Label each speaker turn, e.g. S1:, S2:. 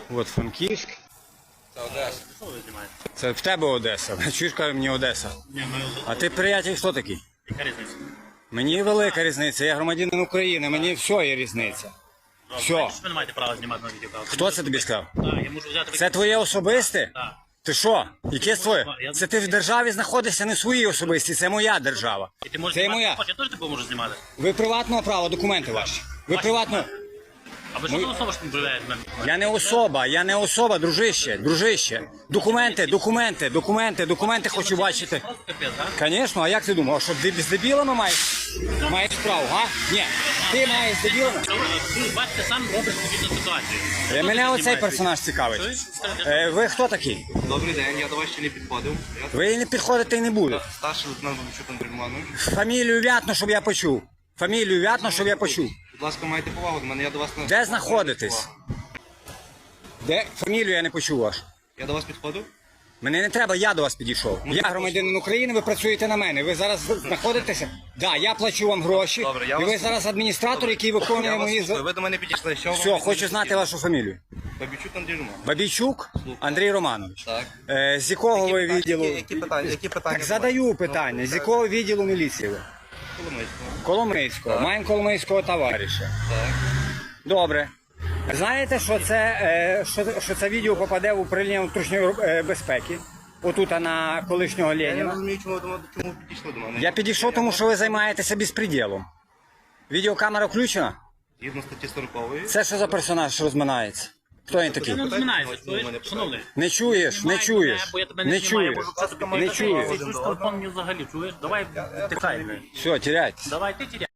S1: От Франківськ.
S2: Це Одеса.
S3: Що ви знімаєте?
S1: Це в тебе Одеса. Чуєш, каже мені Одеса. А ти, приятель, хто такий?
S3: Яка різниця?
S1: Мені велика різниця, я громадянин України, мені все є різниця. Все.
S3: Ви не маєте права знімати на відео.
S1: Хто це тобі сказав?
S3: Так, я можу взяти...
S1: Це твоє особисте?
S3: Так.
S1: Ти що? Яке твоє? Це ти в державі знаходишся, не своїй особисті, це моя держава.
S3: І ти можеш
S1: Це
S3: знімати,
S1: моя.
S3: я теж тебе можу знімати.
S1: Ви приватного права, документи ваші. Ви приватного...
S3: А ви що за особа, що не проявляєте мене?
S1: Я не особа, дружище. Документи хочу бачити.
S3: Просто капець, так?
S1: Звісно, а як ти думав, що з дебілами маєш справу, га? Ні, ти маєш з дебілами.
S3: Ви бачите, сам робиш відповідну ситуацію.
S1: Мене оцей персонаж цікавить. Ви хто такий?
S2: Добрий день, я до вас ще не підходив.
S1: Ви не підходите і не будете.
S2: Старший лейтенант Бабичук Андрій Романович.
S1: Фамілію вятно, щоб я почув.
S2: Будь ласка, майте повагу до мене, я до вас не...
S1: Де знаходитесь? Де? Фамілію я не почув вашу.
S2: Я до вас підходив?
S1: Мене не треба, я до вас підійшов. Я громадянин України, ви працюєте на мене. Ви зараз знаходитеся? Так, я плачу вам гроші.
S2: Добре, я
S1: І ви
S2: вас-
S1: зараз адміністратор, який виконує
S2: Я вас
S1: мої...
S2: слухаю, ви до мене підійшли, що
S1: Все, хочу знати вашу фамілію.
S2: Бабичук Андрій Романович.
S1: Бабійчук Андрій Романович.
S2: Так.
S1: З якого ви відділу?
S2: Які питання?
S1: Так задаю питання. З якого відділу міліції ви?
S2: Коломийського.
S1: Коломийського. Маємо коломийського товариша.
S2: Так.
S1: Добре. Знаєте, що це відео попаде в управління внутрішньої безпеки? Отут на колишнього
S2: Я не
S1: Леніна.
S2: розумію, чому ви підійшли до мене.
S1: Я підійшов, тому що ви займаєтеся безпреділом. Відеокамера включена?
S2: Згідно статті 40-ї.
S1: Це що за персонаж розминається? Хто він такий?
S3: Ти не розминаєшся, чуєш? Шановний.
S1: Не чуєш, не чуєш,
S3: Бо я тебе
S1: не
S3: не знімаю,
S1: чуєш,
S3: можу просто
S1: не чуєш.
S3: Ти чуєш телефон мені взагалі, чуєш? Давай, тихай.
S1: Все, теряйтесь.
S3: Давай, ти тіряй.